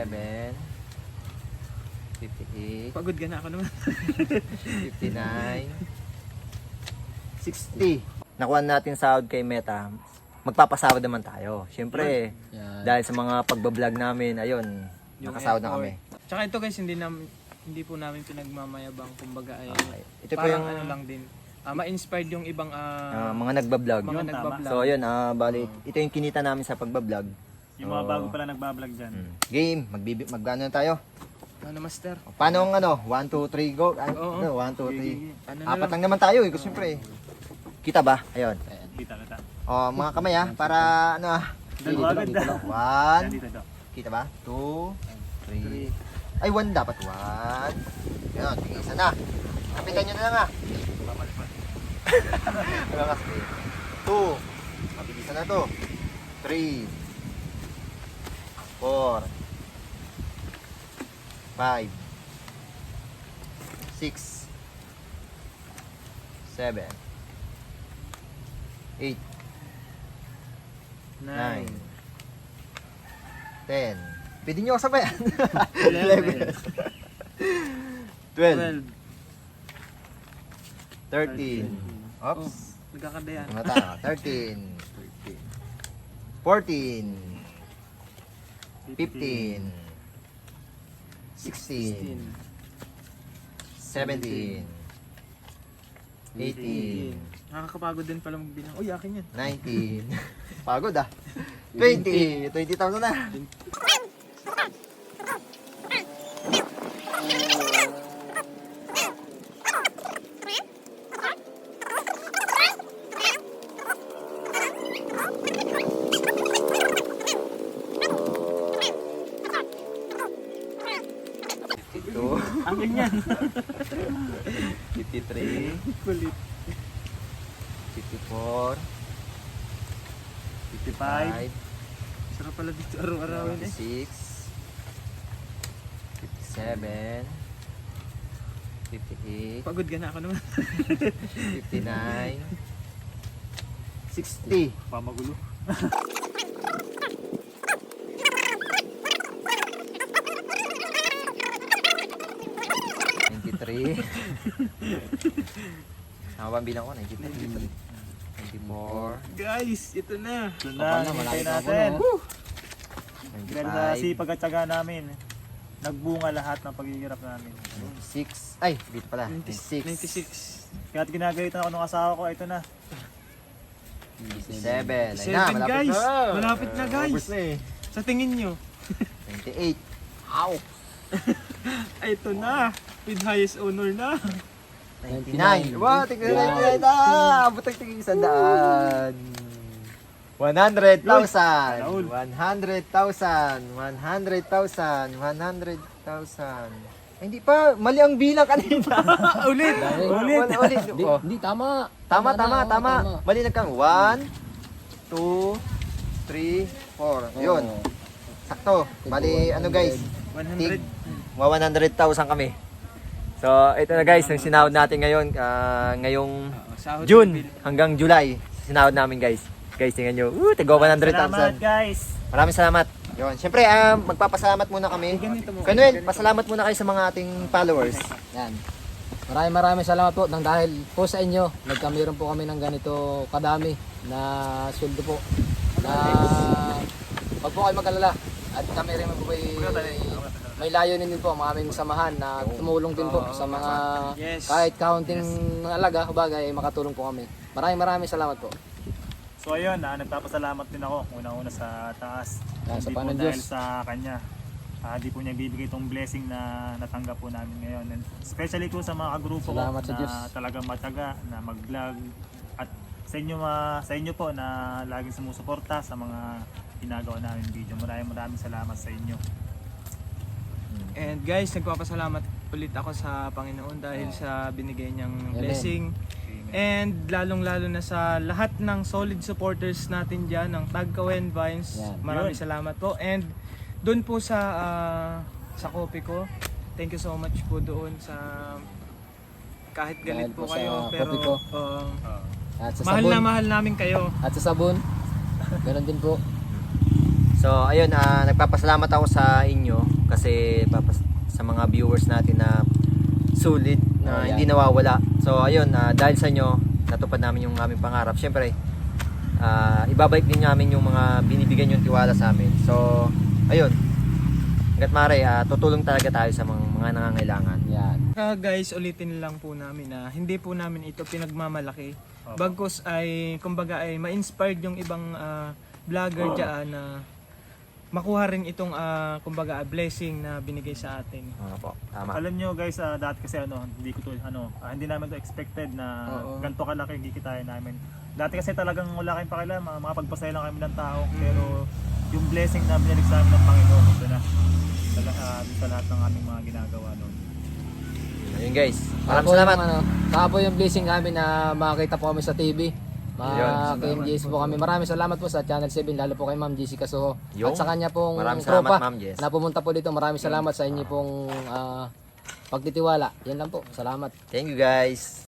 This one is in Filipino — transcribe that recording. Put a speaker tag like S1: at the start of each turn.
S1: 57, 58,
S2: Pagod ka na ako naman.
S1: 59, 60. Nakuha natin sahod kay Meta. Magpapasahod naman tayo. Siyempre,
S3: Yan.
S1: dahil sa mga pagbablog namin, ayun,
S2: Yung
S1: nakasahod na
S2: effort.
S1: kami.
S2: Tsaka ito guys, hindi po namin pinagmamayabang, kumbaga ay
S1: Okay. Ito po
S2: parang
S1: yung
S2: ano lang din. Ma-inspired yung ibang
S1: mga nagbablog.
S2: mga
S4: Yun,
S2: nagbablog.
S1: So, ayun, bali, ito yung kinita namin sa pagbablog.
S4: Yung mga bago pala nagbablog dyan.
S1: Game, magano na tayo.
S2: Ano master?
S1: Paano ang 1, 2, 3, go?
S2: Oo.
S1: 1, 2, 3.
S2: Ano na
S1: Apat
S2: lang?
S1: lang naman tayo eh, kasi siyempre. Kita ba? Ayun.
S4: Kita, kita.
S1: O, mga kamay para
S4: Dalawa agad na.
S1: 1,
S4: Dito, dito.
S1: kita ba? 2, 3. Ay, 1 dapat. 1. Ayun, tingin isa na. Kapitan nyo na lang Wala kasi. 2. Mabilisan na to. 3. 4. 5. 6. 7. 8. 9. 10. Pwede nyo ako sabayan. 11. 12. 13. Oops.
S2: Nagkakadayan.
S1: Mata. 13. 14. 15. 16. 17. 18.
S2: Nakakapagod din pala magbilang. Uy, akin yan.
S1: 19. Pagod 20. 20,000 na. Ito.
S4: Akin yan.
S1: 53.
S2: Kulit.
S1: 54.
S4: 55.
S1: 55.
S2: Sarap pala dito araw-arawin eh.
S1: 56. 57. 58.
S2: Pagod ka na ako naman.
S1: 59. 60.
S4: Pamagulo. Sama ba ang bilang ko? 93. 94.
S2: Guys, ito na.
S4: Ito
S3: Kapal
S4: na,
S3: na, malaki
S4: hintay
S3: pa ako,
S4: natin.
S3: no?
S4: Dahil sa
S1: 95.
S4: sipag at tsaga namin, nagbunga lahat ng paghihirap namin.
S1: 96. Ay, dito pala. 96.
S2: 96.
S4: Kaya't ginagalitan ako ng asawa ko, ito na.
S1: 97. Ayun
S2: 7
S1: na, malapit
S2: guys.
S1: na.
S2: Malapit na guys.
S1: Ubus na eh.
S2: Sa tingin nyo.
S1: 28. Ow!
S2: Ay, ito na. With highest honor na.
S1: 99. Wow, tignan na 99. Abot ang tingin sa daan. 100,000. 100,000. 100,000. 100,000. Hindi pa, mali ang bilang kanina.
S2: Ulit.
S1: Ulit.
S3: Hindi,
S1: Oh.
S3: hindi, tama.
S1: Tama.
S3: na,
S1: Mali nagkang 1, 2, 3, 4. Yun.
S3: Oo.
S1: Sakto. Bali, ano guys?
S2: 100.
S1: 100,000 kami. So, ito na guys, yung sinahod natin ngayon, ngayong
S2: Sahod
S1: June
S2: bill.
S1: hanggang July. Sinahod namin guys. Guys, tingnan nyo. Tigo
S4: Salamat
S1: 100,000.
S4: guys!
S1: Maraming salamat. Yun. Siyempre, magpapasalamat muna kami.
S2: Ganito mo.
S1: Kanuel, pasalamat muna kayo sa mga ating followers.
S3: Yan. Maraming salamat po nang dahil po sa inyo, nagkamiron po kami ng ganito kadami na sweldo po. Na wag po kayo mag-alala. At kami rin po may layunin din po ang aming samahan na tumulong din po sa mga
S2: Yes.
S3: kahit counting alaga, bagay, makatulong po kami. Maraming salamat po.
S4: So ayun, nagpapasalamat din ako unang-una sa taas.
S3: Yan, sa
S4: Hindi po
S3: Panginoon
S4: dahil
S3: Diyos.
S4: sa kanya. Di po niya bibigay itong blessing na natanggap po namin ngayon. And especially po sa mga grupo ko
S3: Salamat sa
S4: na
S3: Diyos.
S4: talagang mataga na mag-vlog. At sa inyo po na laging sumusuporta sa mga ginagawa namin video. Maraming salamat sa inyo.
S2: And guys, nagpapasalamat ulit ako sa Panginoon dahil sa binigay niyang
S3: Amen.
S2: blessing. And lalong-lalo na sa lahat ng solid supporters natin dyan, ng Tagkawen Vines.
S3: Yan.
S2: Maraming
S4: Yun.
S2: salamat po. And doon po sa coffee ko, thank you so much po doon sa kahit galit
S3: Dahil
S2: po
S3: po
S2: kayo,
S3: sa
S2: pero
S3: coffee ko.
S2: uh,
S3: At sa
S2: mahal
S3: sabon.
S2: na mahal namin kayo.
S3: At sa sabon. Ganun din po.
S1: So ayun, nagpapasalamat ako sa inyo kasi sa mga viewers natin na sulit na hindi nawawala. So ayun, dahil sa inyo natupad namin yung aming pangarap. Syempre, ibabalik din namin yung mga binibigyan yung tiwala sa amin. So ayun, hanggat maaari, tutulong talaga tayo sa mga nangangailangan.
S3: Yan.
S2: Guys, ulitin lang po namin na hindi po namin ito pinagmamalaki. Bagkus ay, kumbaga ay ma-inspired yung ibang vlogger dyan na makuha rin itong kumbaga blessing na binigay sa atin.
S1: Po, tama.
S4: Alam nyo guys, dati kasi hindi namin to expected na ganito kalaki kikitain namin. Dati kasi talagang wala kayong pakialam, mga pagpasaya lang kami ng tao, pero yung blessing na binilig sa amin ng Panginoon, ito na sa lahat ng aming mga ginagawa noon.
S1: Ayun guys, maraming salamat.
S3: Saka po yung blessing namin na makakita po kami sa TV.
S1: Ayun,
S3: Kay Jess po kami. Maraming salamat po sa Channel 7, lalo po kay Ma'am Jessie Casuho.
S1: Yung,
S3: At sa kanya pong
S1: maraming
S3: tropa
S1: salamat, Ma'am Jess.
S3: na pumunta po dito. Maraming salamat sa inyo pong pagtitiwala. Yan lang po. Salamat.
S1: Thank you guys.